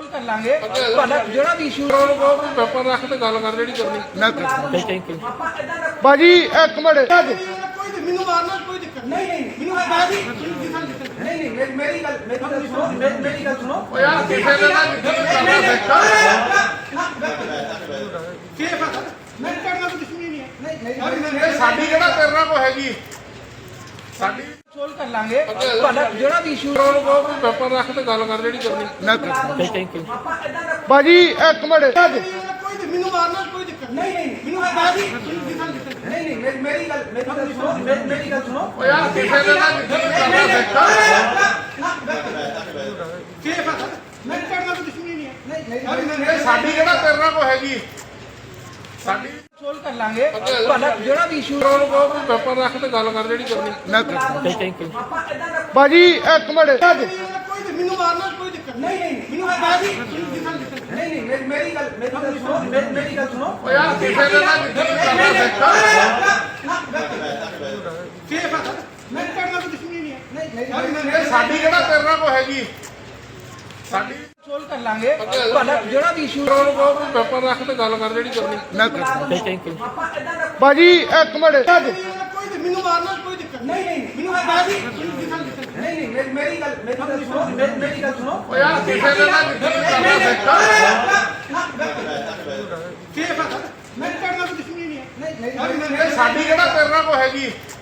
ਕਰ ਲਾਂਗੇ ਤੁਹਾਡਾ ਜਿਹੜਾ ਵੀ ਇਸ਼ੂ ਪੇਪਰ ਰੱਖ ਤੇ ਗੱਲ ਕਰ ਜਿਹੜੀ ਕਰਨੀ ਮੈਂ ਕਰਦਾ ਥੈਂਕ ਯੂ ਬਾਜੀ ਇੱਕ ਮਿੰਟ ਕੋਈ ਮੈਨੂੰ ਮਾਰਨਾ ਕੋਈ ਦਿੱਕਤ ਨਹੀਂ ਮੈਨੂੰ ਬਾਜੀ ਨਹੀਂ ਮੇਰੀ ਗੱਲ ਸੁਣੋ ਓ ਯਾਰ ਕਿਸੇ ਦੇ ਨਾਲ ਕਰਨਾ ਸਿੱਖਾ ਸੇਫ ਆ ਮੈਂ ਕਰਨਾ ਕੋਈ ਦੁਸ਼ਮਣੀ ਨਹੀਂ ਹੈ ਇਹ ਸਾਡੀ ਕਿਹੜਾ ਤੇਰੇ ਨਾਲ ਕੋ ਹੈਗੀ ਸਾਡੀ ਸੋਲਵ ਕਰ ਲਾਂਗੇ ਤੁਹਾਡਾ ਜਿਹੜਾ ਵੀ ਇਸ਼ੂ ਪੇਪਰ ਰੱਖ ਤੇ ਗੱਲ ਕਰ ਜਿਹੜੀ ਕਰਨੀ ਮੈਂ ਕਰਦਾ ਥੈਂਕ ਯੂ ਬਾਜੀ ਇੱਕ ਮਿੰਟ ਕੋਈ ਮੈਨੂੰ ਮਾਰਨਾ ਕੋਈ ਦਿੱਕਤ ਨਹੀਂ ਮੈਨੂੰ ਬਾਜੀ ਨਹੀਂ ਮੇਰੀ ਗੱਲ ਸੁਣੋ ਓ ਯਾਰ ਕਿਸੇ ਦੇ ਨਾਲ ਕਰਨਾ ਸਿੱਖਾ ਸੇਫ ਆ ਮੈਂ ਕਰਨਾ ਕੋਈ ਦੁਸ਼ਮਣੀ ਨਹੀਂ ਹੈ ਇਹ ਸਾਡੀ ਕਿਹੜਾ ਤੇਰੇ ਨਾਲ ਕੋ ਹੈਗੀ ਸਾਡੀ ਸੋਲਵ ਕਰ ਲਾਂਗੇ ਤੁਹਾਡਾ ਜਿਹੜਾ ਵੀ ਇਸ਼ੂ ਪੇਪਰ ਰੱਖ ਤੇ ਗੱਲ ਕਰ ਜਿਹੜੀ ਕਰਨੀ ਮੈਂ ਕਰਦਾ ਥੈਂਕ ਯੂ ਬਾਜੀ ਇੱਕ ਮਿੰਟ ਕੋਈ ਮੈਨੂੰ ਮਾਰਨਾ ਕੋਈ ਦਿੱਕਤ ਮੈਨੂੰ ਬਾਜੀ ਨਹੀਂ ਮੇਰੀ ਗੱਲ ਸੁਣੋ ਓ ਯਾਰ ਕਿਸੇ ਦੇ ਨਾਲ ਕਰਨਾ ਸਿੱਖਾ ਸੇਫ ਆ ਮੈਂ ਕਰਨਾ ਕੋਈ ਦੁਸ਼ਮਣੀ ਨਹੀਂ ਹੈ ਇਹ ਸਾਡੀ ਕਿਹੜਾ ਤੇਰੇ ਨਾਲ ਕੋ ਹੈਗੀ ਸਾਡੀ ਸੋਲਵ ਕਰ ਲਾਂਗੇ ਤੁਹਾਡਾ ਜਿਹੜਾ ਵੀ ਇਸ਼ੂ ਪੇਪਰ ਰੱਖ ਤੇ ਗੱਲ ਕਰ ਜਿਹੜੀ ਕਰਨੀ ਮੈਂ ਕਰਦਾ ਥੈਂਕ ਯੂ ਬਾਜੀ ਇੱਕ ਮਿੰਟ ਕੋਈ ਮੈਨੂੰ ਮਾਰਨਾ ਕੋਈ ਦਿੱਕਤ ਮੈਨੂੰ ਬਾਜੀ ਨਹੀਂ ਮੇਰੀ ਗੱਲ ਸੁਣੋ ਓ ਯਾਰ ਕਿਸੇ ਦੇ ਨਾਲ ਕਰਨਾ ਸਿੱਖਾ ਸੇਫ ਆ ਮੈਂ ਕਰਨਾ ਕੋਈ ਦੁਸ਼ਮਣੀ ਨਹੀਂ ਹੈ ਇਹ ਸਾਡੀ ਕਿਹੜਾ ਤੇਰੇ ਨਾਲ ਕੋ ਹੈਗੀ